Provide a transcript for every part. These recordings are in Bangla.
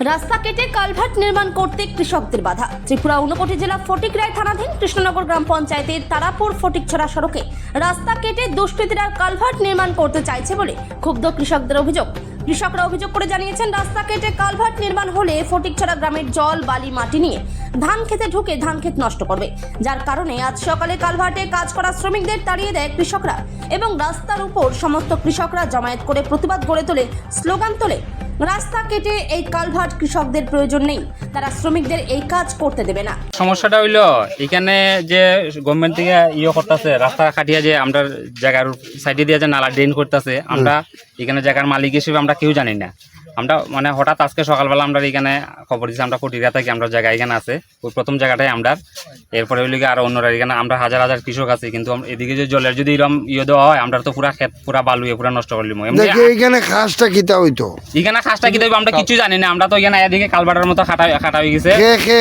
রাস্তা কেটে কালভার্ট নির্মাণ করতে কৃষকদের বাধা। ত্রিপুরা ঊনকোটি জেলা ফটিকরায় থানাধীন কৃষ্ণনগর গ্রাম পঞ্চায়েতের তারাপুর ফটিকছড়া সড়কে রাস্তা কেটে দুষ্কৃতীরা কালভার্ট নির্মাণ করতে চাইছে বলে ক্ষুব্ধ কৃষকদের অভিযোগ। কৃষকরা অভিযোগ করে জানিয়েছেন, রাস্তা কেটে কালভার্ট নির্মাণ হলে ফটিকছড়া গ্রামের জল বালি মাটি নিয়ে ধান খেতে ঢুকে ধান ক্ষেত নষ্ট করবে, যার কারণে আজ সকালে কালভার্টে কাজ করা শ্রমিকদের তাড়িয়ে দেয় কৃষকরা এবং রাস্তার উপর সমস্ত কৃষকরা জমায়েত করে প্রতিবাদ গড়ে তোলে, স্লোগান তোলে। রাস্তা কেটে এই কালভার্ট কৃষকদের প্রয়োজন নেই, তারা শ্রমিকদের এই কাজ করতে দেবে না। সমস্যাটা হইলো এখানে যে গভর্নমেন্ট থেকে করতেছে রাস্তা কাটিয়ে যে আমরা জায়গার সাইডে দিয়ে যে নালা ড্রেন করতেছে, আমরা এখানে জায়গার মালিক হিসেবে আমরা কেউ জানি না। আমরা মানে হঠাৎ আজকে সকালবেলা আমরা এখানে খবর দিচ্ছি, আমরা ফটিকরা থাকি, আমরা জায়গা এখানে আছে ওই প্রথম জায়গাটাই আমরা, এরপরে হইলে আরো অন্যরা এখানে আমরা হাজার হাজার কৃষক আছে, কিন্তু এদিকে যে জলের যদি এরকম দেওয়া হয় আমরা তো পুরা ক্ষেত পুরা বালুয়ে পুরা নষ্ট করলিম। এখানে খাসটা কিতা হইতো, এখানে খাসটা কি দেবো আমরা কিছু জানি না। আমরা তো এখানে এদিকে কালবাটার মতো খাটা হয়ে গেছে,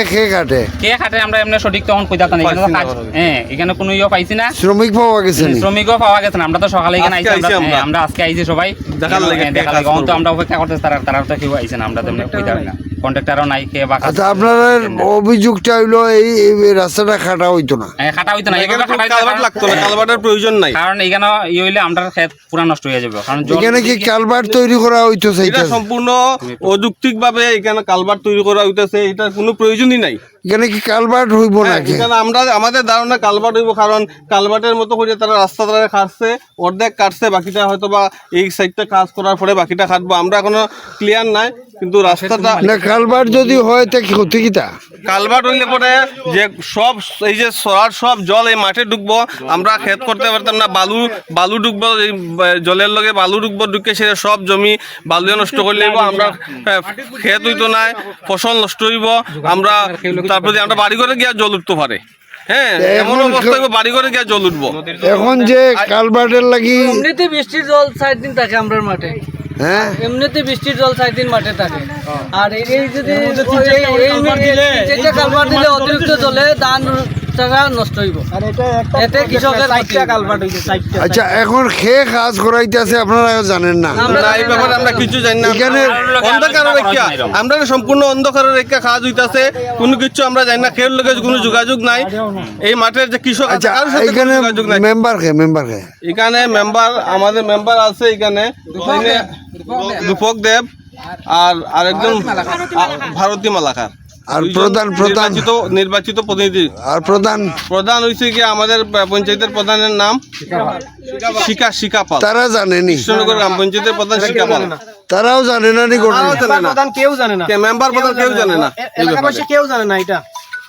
কে খাটে আমরা এমনি সঠিক তখন কইতাম না। এখানে হ্যাঁ এখানে কোনো পাইছি না, শ্রমিক পাওয়া গেছে, শ্রমিকও পাওয়া গেছে না। আমরা তো সকালে এখানে আইছি, আমরা আজকে আইছি সবাই দেখার লাগে, তো আমরা অপেক্ষা করতেছি, তারা তো কেউ আইছে না, আমরা তেমনি কইতাম না, কন্ট্রাক্টরও নাই কে বা। আচ্ছা, আপনার অভিযোগটা হইলো এই রাস্তাটা খাটা হইতো না, খাটা হইতো না, কালভার্ট লাগতো না, কালভার্টের প্রয়োজন নাই, কারণ এখানে হইলে আমরা ক্ষেত পুরা নষ্ট হয়ে যাবে। কারণ এখানে কি কালভার্ট তৈরি করা হইতো, এটা সম্পূর্ণ অযৌক্তিক ভাবে এখানে কালভার্ট তৈরি করা হইতেছে, এটা কোনো প্রয়োজনই নাই। এখানে কি কালভার্ট হইব না? এখানে আমরা আমাদের ধারণা কালভার্ট হইব, কারণ কালভার্টের মতো করে তারা রাস্তা তারা কাটছে, অর্ধেক কাটছে, বাকিটা হয়তো বা এই সাইডটা কাজ করার পরে বাকিটা কাটবো, আমরা এখনো ক্লিয়ার নাই। কিন্তু রাস্তাটা কালভার্ট যদি হয় তা কি ক্ষতি কিতা? কালভার্ট হইলে পরে যে সব এই যে সরার সব জল এই মাঠে ঢুকবো, আমরা ক্ষেত করতে পারতাম না, বালু ঢুকবো, এই জলের লগে বালু ঢুকবো, ঢুকে সে সব জমি বালু নষ্ট করলে আমরা ক্ষেত হইতো না, ফসল নষ্ট হইব, আমরা তারপরে আমরা বাড়ি করে গিয়ে জল উঠতে পারে। হ্যাঁ, এমন অবস্থা হইব বাড়ি করে গিয়ে জল উঠবো। এখন যে কালভার্টের লাগি এমনিতে বৃষ্টির জল 4 দিন থাকে আমরা মাঠে, হ্যাঁ এমনিতে বৃষ্টির জল 4 দিন মাঠে থাকে, আর এই যদি কালভার্ট দিলে অতিরিক্ত জলে ধান টাকা নষ্ট হইব, এতে কৃষকের কালভার্ট হইছে। আচ্ছা, এখন খেয়ে কাজ করাইতেছে, আপনারা জানেন না? এই ব্যাপারে আমরা কিছু জানি না, এখানে অন্ধকারের রেখা আমরা সম্পূর্ণ অন্ধকারের রেখা কাজ হইতাছে, কোনো কিছু আমরা জানি না, খের লোকের কোনো যোগাযোগ নাই এই মাঠের যে কৃষক আছে, কারোর সাথে কোনো যোগাযোগ নাই। মেম্বার এখানে মেম্বার আমাদের মেম্বার আছে এখানে রূপক দেব আর আরেকজন ভারতী মালাকার, আর নির্বাচিত প্রতিনিধি। আর প্রধান হয়েছে কি আমাদের পঞ্চায়েতের প্রধানের নাম শিকা পাল, তারা জানেনি? কৃষ্ণনগর গ্রাম পঞ্চায়েতের প্রধান শিকা পাল, তারাও জানে না? কেউ জানে না, মেম্বার প্রধান কেউ জানে না, এলাকাবাসী কেউ জানে না এটা।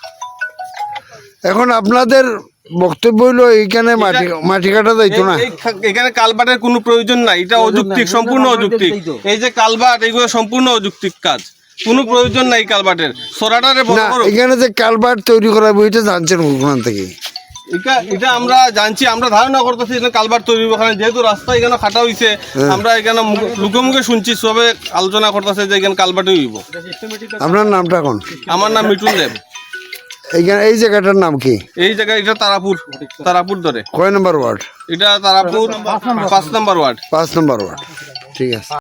এখন আপনাদের বক্তব্য হইলো এইখানে মাটি কাটা যাইতো না, এখানে কালভার্টের কোনো প্রয়োজন নাই, এটা অযৌক্তিক, সম্পূর্ণ অযৌক্তিক। এই যে কালভার্ট এগুলো সম্পূর্ণ অযৌক্তিক কাজ, কোনো প্রয়োজন নাই কালভার্টের। সরাটারে বড় বড় এখানে যে কালভার্ট তৈরি করা এটা জানছেন ওখান থেকে? এটা আমরা জানছি, আমরা ধারণা করতেছি এখানে কালভার্ট তৈরি হবে, যেহেতু রাস্তা এখানে খাটা হইছে, আমরা এখানে মুখে মুখে শুনছি, সবে আলোচনা করতেছে যে এখানে কালভার্ট হইব। আপনার নামটা কোন? আমার নাম মিঠুন দেব। এই জায়গাটার নাম কি? এই জায়গা এটা তারাপুর ধরে কয় নম্বর ওয়ার্ড? এটা Tarapur 5 number ward. 5 number ward, ঠিক আছে।